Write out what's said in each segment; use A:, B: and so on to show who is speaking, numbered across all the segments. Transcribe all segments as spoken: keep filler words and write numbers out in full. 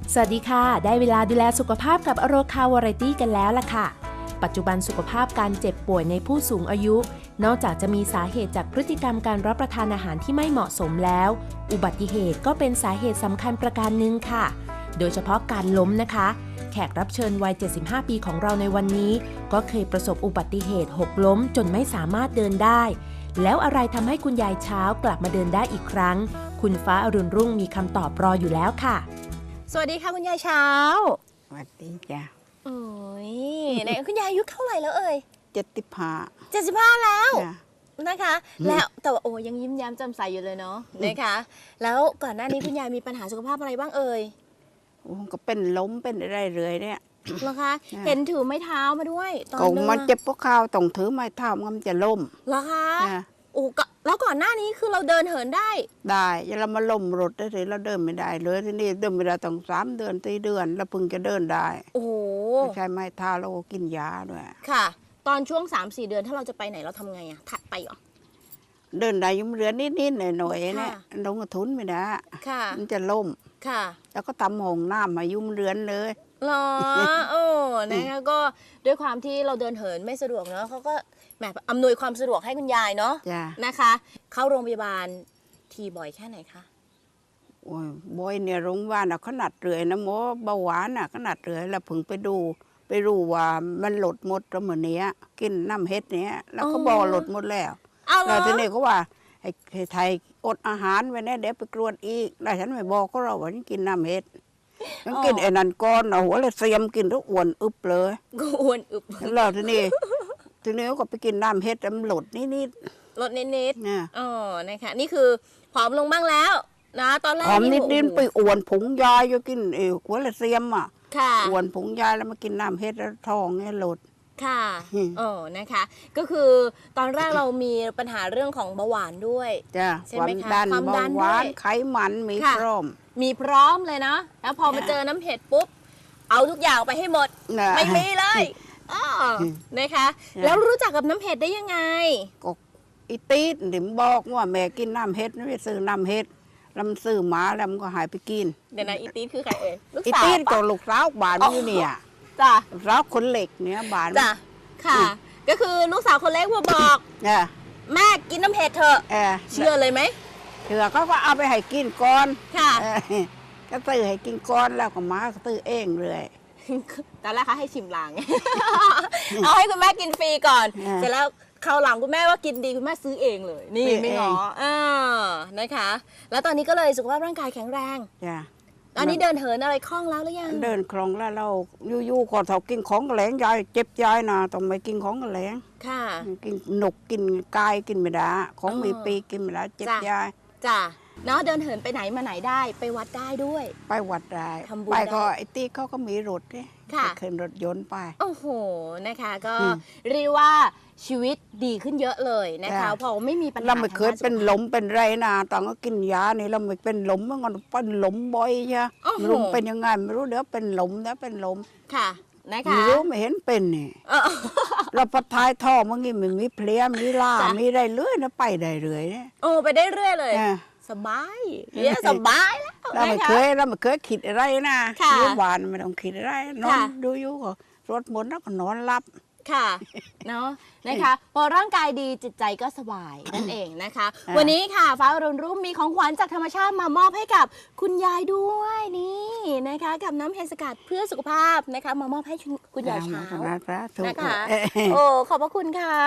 A: สวัสดีค่ะได้เวลาดูแลสุขภาพกับอโรคาวาไรตี้กันแล้วล่ะค่ะปัจจุบันสุขภาพการเจ็บป่วยในผู้สูงอายุนอกจากจะมีสาเหตุจากพฤติกรรมการรับประทานอาหารที่ไม่เหมาะสมแล้วอุบัติเหตุก็เป็นสาเหตุสำคัญประการหนึ่งค่ะโดยเฉพาะการล้มนะคะแขกรับเชิญวัยเจ็ดสิบห้าปีของเราในวันนี้ก็เคยประสบอุบัติเหตุหกล้มจนไม่สามารถเดินได้แล้วอะไรทำให้คุณยายเช้ากลับมาเดินได้อีกครั้งคุณฟ้าอรุณรุ่งมีคำตอบรออยู่แล้วค่ะ
B: สวัสดีค่ะคุณยายเช้า
C: สวัสดีจ้ะ
B: โอ้ยไหนคุณยายอายุเท่าไหร่แล้วเอ่ย
C: เจ็ดสิบห้า
B: เจ็ดสิบห้าแล้วนะคะแล้วแต่ว่าโอ้ยังยิ้มแย้มแจ่มใสอยู่เลยเนาะนะคะแล้วก่อนหน้านี้คุณยายมีปัญหาสุขภาพอะไรบ้างเอ่ย
C: โอ้ก็เป็นล้มเป็นอะไรเลยเนี่ย
B: เหรอคะเห็นถือไม้เท้ามาด้วยตอน
C: เดินมันเจ็บพวกข้าวต้องถือไม้เท้ามันจะล้ม
B: เหรอคะโอ้แล้วก่อนหน้านี้คือเราเดินเหินได้
C: ได้ยังเรามาล้มรถได้เลยเราเดินไม่ได้เลยที่นี่เดินไม่ได้ต้องสามเดือนสี่เดือนแล้วเพิ่งจะเดินได้
B: โอ้โห
C: ใช้ไม้เท้าแล้วก็กินยาด้วย
B: ค่ะตอนช่วง สามสี่ เดือนถ้าเราจะไปไหนเราทำไงอะถัดไปเหรอ
C: เดินได้ยุ่มเรือนนิดๆหน่อยๆเนี่ยลงกระทุนไม่ได้มันจะล้ม
B: ค่ะ
C: แล้วก็ทำห้องน้ำมายุ่มเรือนเลย
B: หรอโอ้นะคะก็ด้วยความที่เราเดินเหินไม่สะดวกเนาะเขาก็แหมอำนวยความสะดวกให้คุณยายเนาะนะคะเข้าโรงพยาบาลทีบ่อยแค่ไหนคะ
C: โอ้ยบ่อยเนี่ยโรงพยาบาลขนาดเรื่อยนะหมอเบาหวานอ่ะขนาดเรื่อยแล้วเพิ่งไปดูไปรู้ว่ามันหลดหมดแล้วเหมือนเนี้ยกินน้ำเฮ็ดเนี้ยแล้วก็บอกหลดหมดแล้วแล้วทีนี้ก็ว่าให้ไทยอดอาหารไว้เนี่ยเดี๋ยวไปกรวดอีกแล้วฉันไม่บอกก็เราว่าฉันกินน้ำเฮ็ดฉันกินไอ้นั่นก้อนเอาหัวเลยเสียมกินทุกอ้วนอึบเลย
B: ก็อ้วนอึบ
C: แล้วทีนี้ทีนี้ก็ไปกินน้ำเฮ็ดมันหลดนิด
B: ๆหลดนิดๆอ๋อนะคะนี่คือผอมลงบ้างแล้วนะตอนแรก
C: ผอมนิดๆไปอ้วนผงยาอยู่กินเอวหัวเลยเสียมอ่ะอ้วนผงยาแล้วมากินน้ำเฮ็ดแล้วท้องเนี่ยหลด
B: ค่ะโอ้นะคะก็คือตอนแรกเรามีปัญหาเรื่องของเบาหวานด้วย
C: จ้ะ
B: ใช่ไหมคะ
C: ความดันเบาหวานไขมันมีพร้อม
B: มีพร้อมเลยนะแล้วพอมาเจอน้ำเห็ดปุ๊บเอาทุกอย่างไปให้หมดไม่มีเลยอ๋อนะคะแล้วรู้จักกับน้ำเห็ดได้ยังไง
C: ก็อีตีดหนิมบอกว่าแม่กินน้ำเห็ดไม่ไปซื้อน้ำเห็ดลำซื้อหมาแล้วมันก็หายไปกิน
B: เดี๋ยวนะอีตีดคือใครเอ่ย
C: อีตีดก็ลูกสาวบ้านนี่เนี่ย
B: จ้ะ
C: รักคนเหล็กเนี่ยบ้าน
B: จ้ะค่ะก็คือลูกสาวคนเล็กมาบอกแม่กินน้ำเห็ดเถอะเชื่อเลยไหม
C: เชื่อเขาก็เอาไปให้กินก่อน
B: ค่ะ
C: ก็ตื้อให้กินก่อนแล้วก็มาก็ตื้อเองเลย
B: ตอนแรกเขาให้ชิมหลังเอาให้คุณแม่กินฟรีก่อนเสร็จแล้วคราวหลังคุณแม่ว่ากินดีคุณแม่ซื้อเองเลยนี่ไม่ง้ออ่านะคะแล้วตอนนี้ก็เลยสุขภาพร่างกายแข็งแรงตอนนี้เดินเหินอะไรคล่องแล้วหรือยัง
C: เดินคล่องแล้วเรายู่ๆก่อนเขากินของแหลงยายเจ็บยายนะต้องไปกินของแหลง
B: ค่ะ
C: กินหนกกินกายกินไม่ได้ของมีปีกินไม่ได้เจ็บยาย
B: จ้ะเนาะเดินเหินไปไหนมาไหนได้ไปวัดได้ด้วย
C: ไปวัดได้ไปก็ไอ้ตีเขาก็มีรถเนี่ยขึ้นรถยนต์ไป
B: โอ้โหนะคะก็เรียกว่าชีวิตดีขึ้นเยอะเลยนะคะเพราะไม่มีปัญหา
C: เราไม่เคยเป็นล้มเป็นไรนะตอนก็กินยาเนี่ยเราไม่เป็นล้มเมื่อก่อนเป็นล้มบ่อยใช่ล้มเป็นยังไงไม่รู้เดี๋ยวเป็นล้มแล้วเป็นล้ม
B: ค่ะนะคะ
C: ไม่รู้ไม่เห็นเป็นนี่เราพอท้ายท่อเมื่อกี้มันมีเพลี้ยมีล่ามีได้เรื่อยนะไปได้เรื่อยเนี่ย
B: โอ้ไปได้เรื่อยเลยสบายเนี่ยสบายแล้ว
C: เราไม่เคยเราไม่เคยคิดอะไรนะอยู่บ้านไม่ต้องคิดอะไรนอนดูอยู่ก็รถหมดแล้วก็นอนหลับ
B: ค่ะเนาะนะคะพอร่างกายดีจิตใจก็สบายนั่นเองนะคะวันนี้ค่ะฟ้าอรุณรุ่งมีของขวัญจากธรรมชาติมามอบให้กับคุณยายด้วยนี่นะคะกับน้ำเห็ดสกัดเพื่อสุขภาพนะคะมามอบให้คุณยายเช้านะคะโอ้ขอบพระคุณค่ะ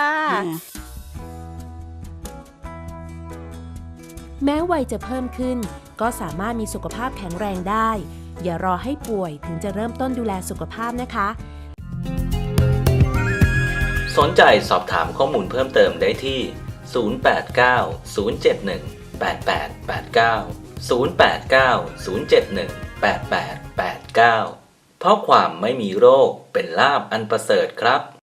A: แม้วัยจะเพิ่มขึ้นก็สามารถมีสุขภาพแข็งแรงได้อย่ารอให้ป่วยถึงจะเริ่มต้นดูแลสุขภาพนะคะ
D: สนใจสอบถามข้อมูลเพิ่มเติมได้ที่ ศูนย์ แปด เก้า ศูนย์ เจ็ด หนึ่ง แปด แปด แปด เก้า ศูนย์ แปด เก้า ศูนย์ เจ็ด หนึ่ง แปด แปด แปด เก้า เพราะความไม่มีโรคเป็นลาภอันประเสริฐครับ